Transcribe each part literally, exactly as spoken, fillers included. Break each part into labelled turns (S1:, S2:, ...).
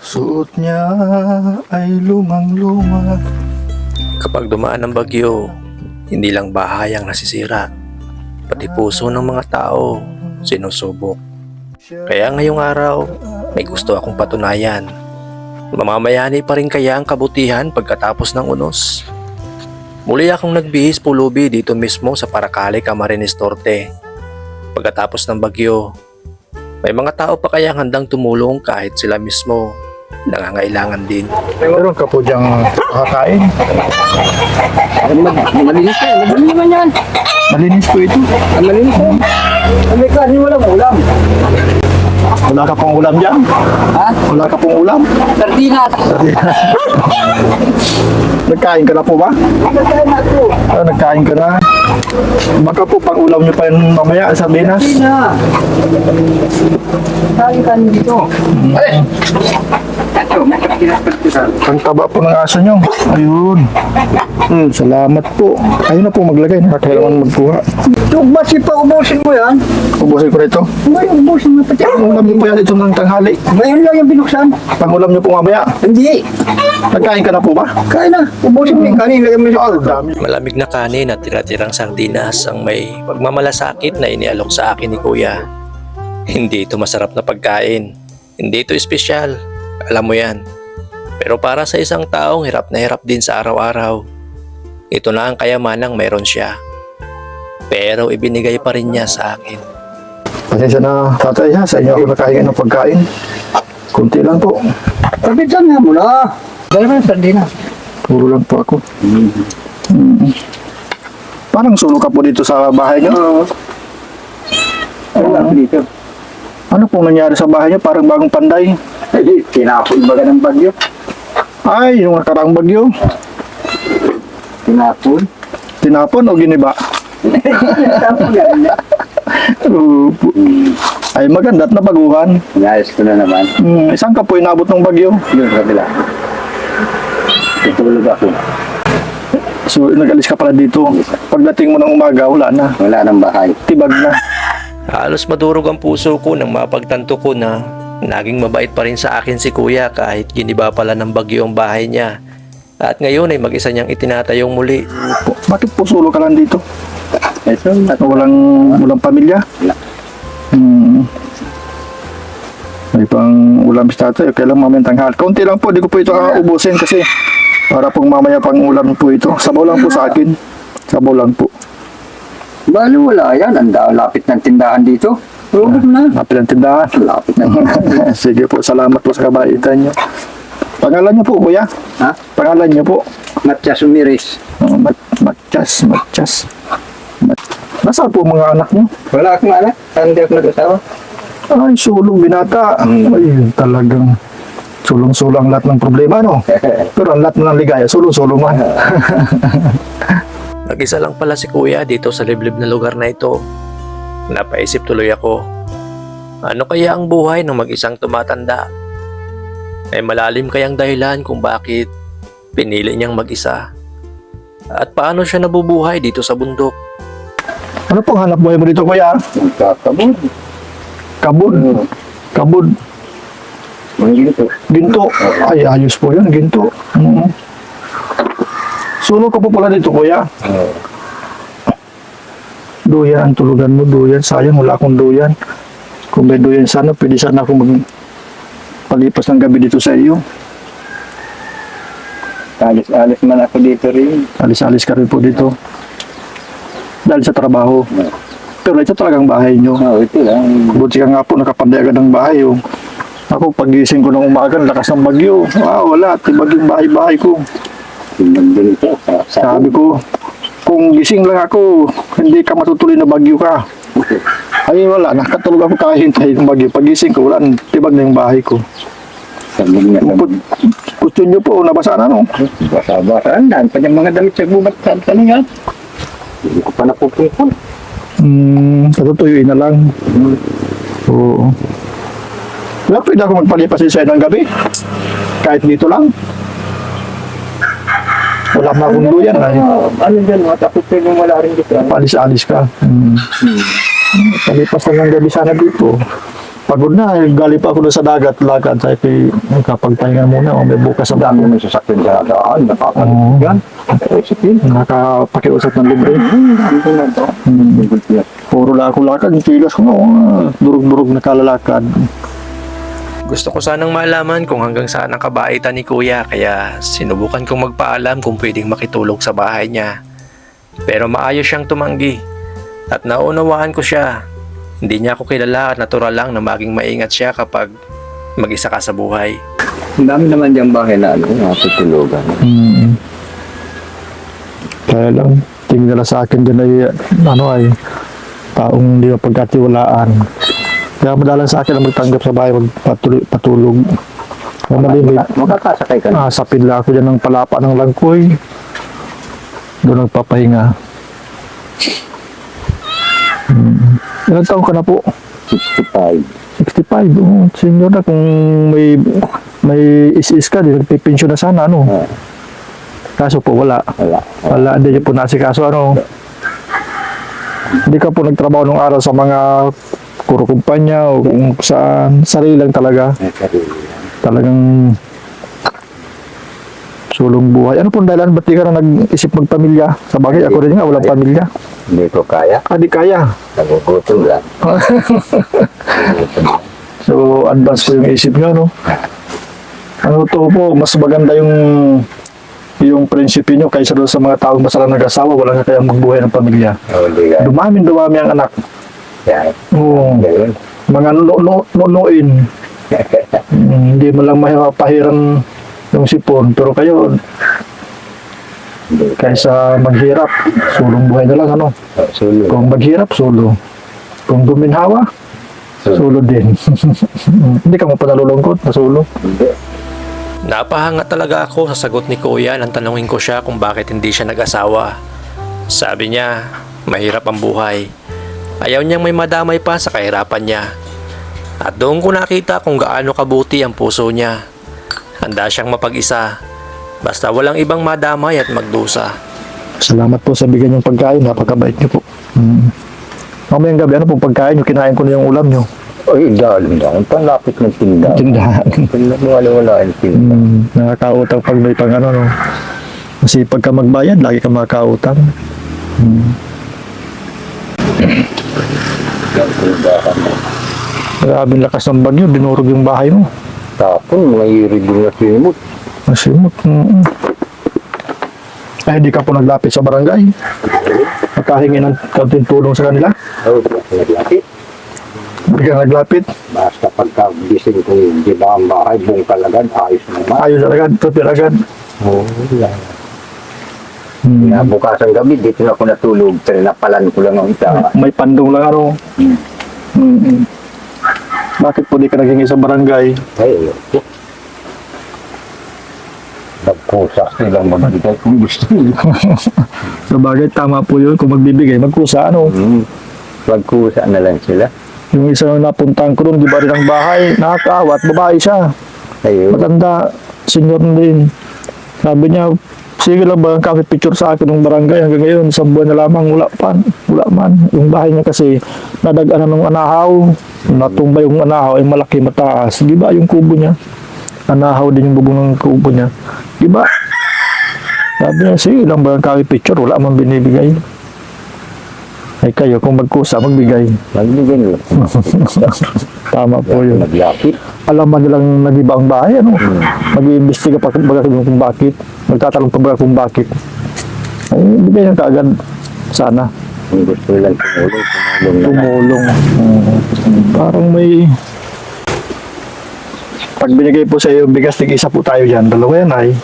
S1: Suot niya ay lumang-luma.
S2: Kapag dumaan ang bagyo, hindi lang bahay ang nasisira, pati puso ng mga tao sinusubok. Kaya ngayong araw, may gusto akong patunayan. Mamamayani pa rin kaya ang kabutihan pagkatapos ng unos? Muli akong nagbihis pulubi dito mismo sa Paracale, Camarines Norte. Pagkatapos ng bagyo, may mga tao pa kaya handang tumulong kahit sila mismo nangangailangan din.
S1: Meron ka po diyang kakain.
S3: Malinis ka, malinis naman yan.
S1: Malinis po ito.
S3: Ang malinis mo. Ang may kanin, walang ulam.
S1: Wala ka pong ulam dyan?
S3: Ha?
S1: Wala ka pong ulam?
S3: Sardinas.
S1: Nagkain ka na po ba?
S3: Nagkain na ito.
S1: Ah, nagkain ka na. Baka po pang ulam niyo pa yun mamaya, sardinas.
S3: Hindi na. Kain ka dito. Ay! Ito, may sardinas pa dito.
S1: Ang taba po ng aso niyo. Ayun. Hmm, salamat po. Ayun na po maglagay. Nakakailangan magkuha.
S3: Ito, basi pa ubusin mo yan.
S1: Ubusin ko rito.
S3: Ngayon, ubusin mo pati.
S1: Ang ulam niyo po yan ito ng tanghali.
S3: Ngayon lang yung binuksan.
S1: Pang ulam niyo po mamaya.
S3: Hindi.
S1: Nagkain ka na po ba?
S3: Kain na. Ubusin mo yung kanin. Lagyan mo sa dami.
S2: Malamig na kanin at tira-tirang sardinas ang may pagmamalasakit na inialok sa akin ni Kuya. Hindi ito masarap na pagkain. Hindi ito espesyal. Alam mo yan. Pero para sa isang taong hirap na hirap din sa araw-araw, ito na ang kayamanang meron siya. Pero ibinigay pa rin niya sa akin.
S1: Pasensya na tatay ha. Sa inyo ako nakahingi ng pagkain. Kunti lang po.
S3: Pagbitan nga mo na. Dala mo yung sardinas.
S1: Puro lang po ako. Mm. Parang sulok ka po dito sa bahay niyo.
S3: Oo. Ano lang dito?
S1: Ano pong nangyari sa bahay niyo? Parang bagong panday.
S3: Tinapon baga ng bagyo.
S1: Ay, yung nakaraang bagyo.
S3: Tinapon.
S1: Tinapon o giniba?
S3: Tinapon yan.
S1: Opo. Ay, maganda at nabaguhan.
S3: Inayos ko na naman.
S1: Hmm, isang ka po inabot ng bagyo.
S3: Yun, kabila. Tutulog ako.
S1: So, nag-alis ka pala dito. Pagdating mo ng umaga, wala na.
S3: Wala nang bahay.
S1: Tibag na.
S2: Halos madurog ang puso ko nang mapagtanto ko na naging mabait pa rin sa akin si Kuya kahit giniba pala ng bagyo ang bahay niya. At ngayon ay mag-isa niyang itinatayong muli.
S1: Po, bakit po sulo ka lang dito?
S3: Ito,
S1: At walang, walang pamilya?
S3: Wala.
S1: Hmm. May pang ulam si tatay. Kailan mamaya tanghal. Kaunti lang po. Di ko po ito ubusin kasi para pong mamaya pang ulam po ito. Sabaw lang po sa akin. Sabaw lang po.
S3: bali wala yan. Ang da- lapit ng tindahan dito. Robot na.
S1: Lapit ang tindahan.
S3: Lapit ng tindahan.
S1: Sige po. Salamat po sa kabaitan niyo. Pangalan niyo po, kuya?
S3: Ha?
S1: Pangalan niyo po?
S3: Matias Umiris.
S1: Oh, mat matchas, matchas. Mat Nasaan po mga anak niyo?
S3: Wala akong anak. Hindi ako nag-asawa.
S1: Ay, sulong binata. Ay, talagang sulong-sulong ang lahat ng problema, no? Pero ang lahat ng ligaya, sulong-sulong man.
S2: Nag-isa lang pala si Kuya dito sa liblib na lugar na ito. Napaisip tuloy ako. Ano kaya ang buhay ng mag-isang tumatanda? Ay malalim kayang dahilan kung bakit pinili niyang mag-isa. At paano siya nabubuhay dito sa bundok?
S1: Ano pong hanap buhay mo dito, kuya?
S3: Nagkakabod.
S1: Kabud. Kabud.
S3: Mga ginto.
S1: Ginto. Ay, ayos po yun, ginto. Mm. Sulong ka po pala dito, kuya.
S3: Oo.
S1: Duyan ang tulugan mo, duyan. Sayang, wala akong duyan. Kung may duyan sana, pwede sana ako magpalipas ng gabi dito sa iyo.
S3: Alis-alis man ako dito rin.
S1: Alis-alis ka rin po dito. Dahil sa trabaho. Pero ito talagang bahay nyo.
S3: Oo, ito lang.
S1: Buti ka nga po, nakapanday agad ng bahay. Oh. Ako, pagising ko ng umaga, lakas ng bagyo. Ah, wala, tibag yung bahay-bahay ko.
S3: Tingnan din ito. Sa, sa
S1: Sabi ko, kung gising lang ako, hindi ka matutuloy na bagyo ka. Ay, wala, nakatulog ako kahintay ng bagyo. Pagising ko, wala, tibag na yung bahay ko.
S3: sa mga
S1: Kung gusto nyo po, nabasa na, no?
S3: basa-basa. Andan pa yung mga damit sa gubat sa talingan. Hindi ko pa napupungkol.
S1: Hmm, natutuyuin na lang. Oo. Wala, pwede ako magpalipas sa ng gabi. Kahit dito lang. Wala na akong duyan. Ay,
S3: Ano dyan, mga tapos yung wala rin dito.
S1: palis-alis ka. Hmm. Palipas na ng gabi sana dito. pagod na. Eh, galing pa ako doon sa dagat, lakad. Sabi ko, eh, kapagpahinga muna. O, may bukas
S3: Ang
S1: ang
S3: dami
S1: dami.
S3: may sasakyan sa daan,
S1: Oo.
S3: nakakalit yan. Ay, sige.
S1: Nakapakiusap ng libre.
S3: Ano na ito?
S1: Hmm.
S3: Good yan.
S1: Puro lang ako lakad. Yung tigas ko, oh, durug-durug na kalalakad.
S2: Gusto ko sanang malaman kung hanggang saan ang kabaitan ni Kuya kaya sinubukan kong magpaalam kung pwedeng makitulog sa bahay niya. Pero maayos siyang tumanggi at naunawaan ko siya. Hindi niya ako kilala at natural lang na maging maingat siya kapag mag-isa ka sa buhay.
S3: Ang dami naman diyang bahay na ano, natutulugan.
S1: Hmm. Kaya lang, tingin nila sa akin din ay, ano ay, taong hindi mapagkatiwalaan. Kaya madalang sa akin na magtanggap sa bahay, magpatulog. Patulog. Kaya malimit,
S3: Makakasakay ka na.
S1: ah, sapid lang ako dyan ng palapa ng langkoy. Doon nagpapahinga. Hmm. Ilang taon ka na po?
S3: sixty-five.
S1: sixty-five. Oh, senior na kung may may is-is ka, di nagpipensyon na sana, ano?
S3: Ah,
S1: Kaso po, wala.
S3: wala.
S1: Wala, hindi niyo po nasikaso, ano? Hindi ka po nagtrabaho nung araw sa mga kuro kumpanya o kung saan, sarili lang talaga.
S3: May sarili yan.
S1: Talagang sulong buhay. Ano pong dahilan? Ba't di ka na nag-isip magpamilya? Sa bagay, ako rin nga, walang pamilya.
S3: Hindi ko kaya.
S1: Ah, di kaya.
S3: Nagugutom lang. Nagugutom lang.
S1: So, advance po yung isip nyo, no? Ano to po, mas maganda yung yung prinsipyo nyo kaysa doon sa mga taong masalang nag-asawa, wala na kayang magbuhay ng pamilya.
S3: Oh, hindi ka.
S1: Dumami, dumami ang anak.
S3: Yan.
S1: Oo.
S3: Ganun.
S1: Mga nunuin. Mm, hindi mo lang mapahiran yung sipon. Pero kayo,
S3: Hindi ka.
S1: kaysa maghirap, sulong buhay na lang, ano?
S3: Oh, sulo.
S1: Kung maghirap, sulo. Kung guminhawa, sulo din. Hindi ka mo pa nalulungkot na sulo.
S3: Hindi.
S2: Napahanga talaga ako sa sagot ni Kuya nang tanungin ko siya kung bakit hindi siya nag-asawa. Sabi niya, mahirap ang buhay. Ayaw niyang may madamay pa sa kahirapan niya. At doon ko nakita kung gaano kabuti ang puso niya. Handa siyang mapag-isa. Basta walang ibang madamay at magdusa.
S1: Salamat po sa bigyan yung pagkain. Napakabait niyo po. Mm. Mamayang gabi, ano pong pagkain niyo? Kinain ko na yung ulam niyo.
S3: Ay, dalim lang. Panlapit ng tindahan.
S1: Tindahan.
S3: Wala-wala ang tindahan.
S1: Mm, nakakautang pag may pang ano, no? Kasi pagka magbayad, lagi ka makakautang. Mm. Grabing lakas ng bagyo, dinurog yung bahay mo.
S3: Tapon, may reading na simot.
S1: Masimot. Mm. Ay, di ka po naglapit sa barangay. Magkahingi ng kaunting tulong sa kanila.
S3: Oh, naglapit.
S1: Hindi ka naglapit.
S3: Basta pagka gising ko yung di ba ang bahay, buong kalagad, ayos naman.
S1: Ayos agad, tupir agad.
S3: Oo, wala.
S1: Mm.
S3: Na bukas ang gabi, dito na ako natulog. Trinapalan ko lang ang ita.
S1: May pandong lang ano.
S3: Hmm.
S1: Mm. Bakit po di ka naghingi sa barangay?
S3: Ay, ayoko. Nagkusa silang magbigay kung gusto nila.
S1: Sa bagay, tama po yun. Kung magbibigay, magkusa ano.
S3: Hmm. Magkusa na lang sila.
S1: Yung isa na napuntahan ko doon, di ba rin ang bahay, nakakaawat, babae siya.
S3: Ayun.
S1: Matanda, senior na din. Sabi niya, sige lang ba ang coffee picture sa akin ng barangay hanggang ngayon, isang buwan na lamang, wala pa, wala man. Yung bahay niya kasi, nadagana ng anahaw, natumba yung anahaw, ay malaki, mataas. Di ba yung kubo niya? Anahaw din yung bubong ng kubo niya. Di ba? Sabi niya, sige lang ba ang coffee picture, wala man binibigay. Ay kayo, kung magkusa, magbigay.
S3: Magbigay nila.
S1: Tama po yun.
S3: Naglapit.
S1: Alam man nilang nag-iba ang bahay, ano? Mag-iimbestiga pa baga kung bakit. Magtatanong pa baga kung bakit. Ay, bigay na kaagad. Sana.
S3: Kung gusto nilang tumulong, tumulong na lang.
S1: Tumulong. Mm. Parang may... Pag binigay po sa iyo yung bigas, tig-isa po tayo dyan. Dalawa yan ay.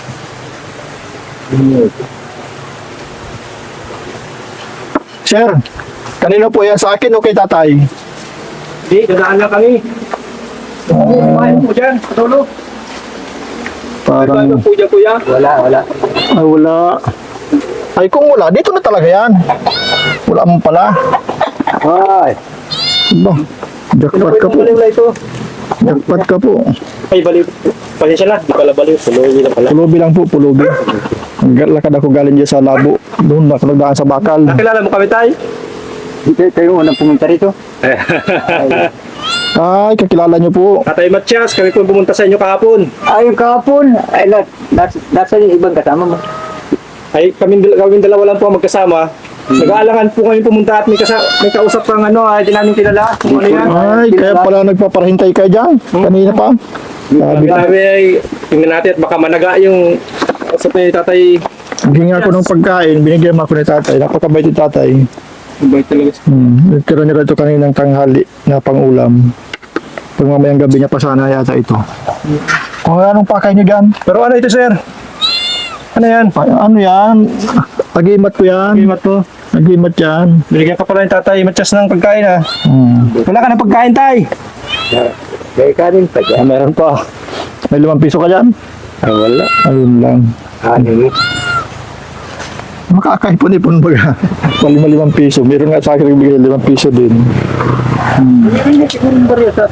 S1: Sir, kanino po yan? Sa akin o kay tatay?
S3: Hindi, dadaan lang kami. Kumain po dyan, patulog.
S1: Parang...
S3: po dyan, kuya? Wala, wala.
S1: Ay, wala. Ay, kung wala, dito na talaga yan. Wala mo pala.
S3: Ay,
S1: Ba, jackpot ka po.
S3: na ito.
S1: Jackpot ka po.
S3: Ay, baliw. Pasensya na, di pala baliw. Puluwi na pala.
S1: Pulubi lang po, pulubi. Lakad ako galing dyan sa labo. Doon ako nagdaan sa bakal.
S3: Nakilala mo kami tayo? Hindi, kayo unang pumunta rito.
S1: Ay, kakilala niyo po.
S4: Tatay Matias, kami po pumunta sa inyo kahapon.
S3: Ay, yung kahapon. Ay, nas, nas, nasa yung ibang kasama mo.
S4: Ay, kami, kami dalawa lang po ang magkasama. Nag-aalangan po kami pumunta at may, kasa, may kausap kang ano, ay di namin kilala. Kung ano yan.
S1: Ay, kaya pala nagpaparahintay ka dyan. Kanina pa. Sabi
S4: Sabi
S1: ko,
S4: namin ay, tingnan natin at baka managa yung sa ni tatay.
S1: bigyan ako ng pagkain, binigyan mo ako ni tatay. Napakabait ni tatay.
S4: Bait talaga.
S1: Hmm, nagkaroon niya ito kaninang tanghali na pang-ulam. Pag mamayang gabi niya pa sana yata ito. Kung anong pakay niyo dyan?
S4: Pero ano ito, sir? Ano yan?
S1: Pa- ano yan? Agimat ko yan.
S4: Bimat mo.
S1: Agimat yan.
S4: Binigyan ka pala ng tatay Matias ng pagkain, ha?
S1: Hmm.
S4: Wala ka ng pagkain, tay.
S3: Kaya kanin pa
S1: Ah,
S3: dyan.
S1: meron pa. May limang piso ka dyan?
S3: Ay, wala.
S1: Ayun lang.
S3: Ano mo?
S1: Makakaipon-ipon baga. Palima limang piso. Meron nga sa akin nagbigay limang piso din.
S3: Hindi siguro yung barya sa...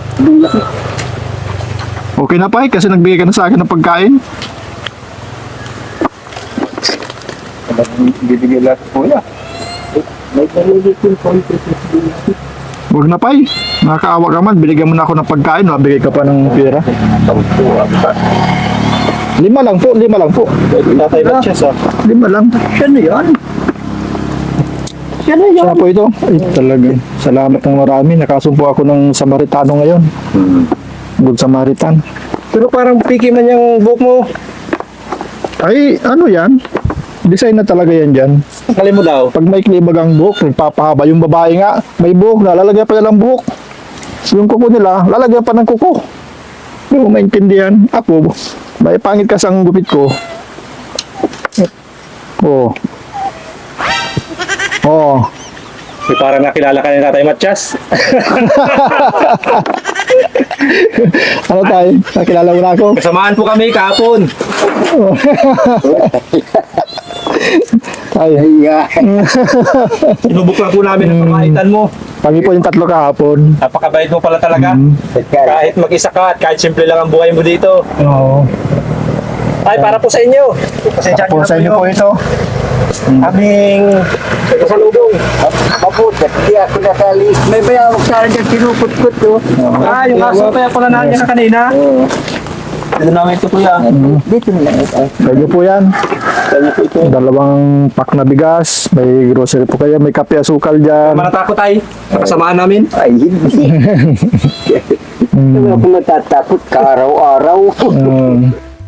S1: Okay na pa eh, kasi nagbigay ka na sa akin ng pagkain.
S3: Bibigyan lahat po yan. May narinig yung konti.
S1: Huwag na pa eh. Nakakaawa ka man. Binigyan mo na ako ng pagkain. Nabigay ka pa ng pera. Lima lang po. Lima lang po.
S4: Tatay Matias, ha?
S1: Lima lang.
S3: Siya na yan. Siya na yan.
S1: Siya po ito. Ay talaga. Salamat ng marami. Nakasumpo ako ng Samaritano ngayon. Good Samaritan.
S4: Pero parang piki man yung buhok mo.
S1: Ay, ano yan? Design na talaga yan dyan.
S4: Kalin mo daw.
S1: Pag may klibag ang buhok, nagpapahaba. Yung babae nga, may buhok na, lalagyan pa nilang buhok. Yung kuko nila, lalagyan pa ng kuko. Hindi mo maintindihan. Ako, may pangit kasi ang gupit ko. Oo. Oo.
S4: May parang nakilala ka ni tatay Matias.
S1: Ano tayo? Nakilala mo na ako?
S4: Kasamaan po kami kahapon.
S1: Ay,
S3: Ay,
S4: Sinubok lang po namin ang pamaitan mo.
S1: kami po yung tatlo kahapon.
S4: Napakabait mo pala talaga. Kahit mag-isa ka at kahit simple lang ang buhay mo dito.
S1: Oo.
S4: Ay, para po sa inyo. Pasensya
S1: Po sa inyo po ito.
S4: Aming kasalubong.
S3: mabuti. Hindi ako nakali. May bayawak sana dyan kinuput-kut to.
S4: Ah, yung aso pa pala namin ka kanina. Dito namin ito, kuya.
S3: Dito na lang ito.
S1: Kayo po yan. Dalawang pack na bigas. May grocery po kayo. May kape asukal dyan.
S4: Manatakot ay. Kasamaan namin.
S3: Ay, hindi. Hindi ako natatakot ka araw-araw.
S1: Um,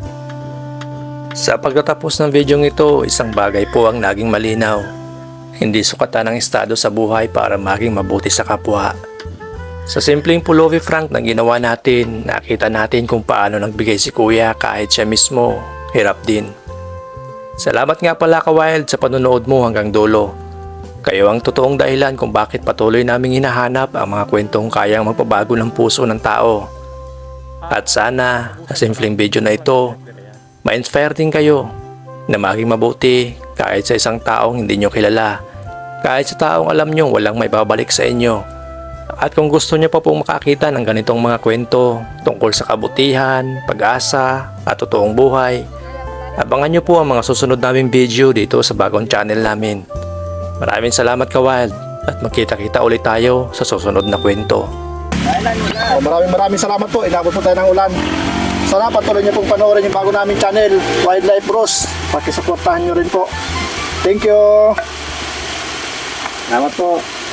S2: Sa pagtatapos ng video ito, isang bagay po ang naging malinaw. Hindi sukatan ang estado sa buhay para maging mabuti sa kapwa. Sa simpleng pullover frank na ginawa natin, nakita natin kung paano nagbigay si Kuya kahit siya mismo, hirap din. Salamat nga pala ka-Wild sa panonood mo hanggang dulo. Kayo ang totoong dahilan kung bakit patuloy naming hinahanap ang mga kwentong kayang magpabago ng puso ng tao. At sana, sa simpleng video na ito, ma-inspire din kayo na maging mabuti kahit sa isang taong hindi nyo kilala, kahit sa taong alam nyo walang may babalik sa inyo. At kung gusto nyo pa pong makakita ng ganitong mga kwento tungkol sa kabutihan, pag-asa at totoong buhay, abangan nyo po ang mga susunod naming video dito sa bagong channel namin. Maraming salamat ka-Wild at magkita-kita ulit tayo sa susunod na kwento.
S1: Oh, maraming maraming salamat po. Inabot po tayo ng ulan. Sana patuloy niyo pong panoorin yung bago naming channel, Wildlife Bros. Pakisuportahan niyo rin po. Thank you.
S4: Salamat po.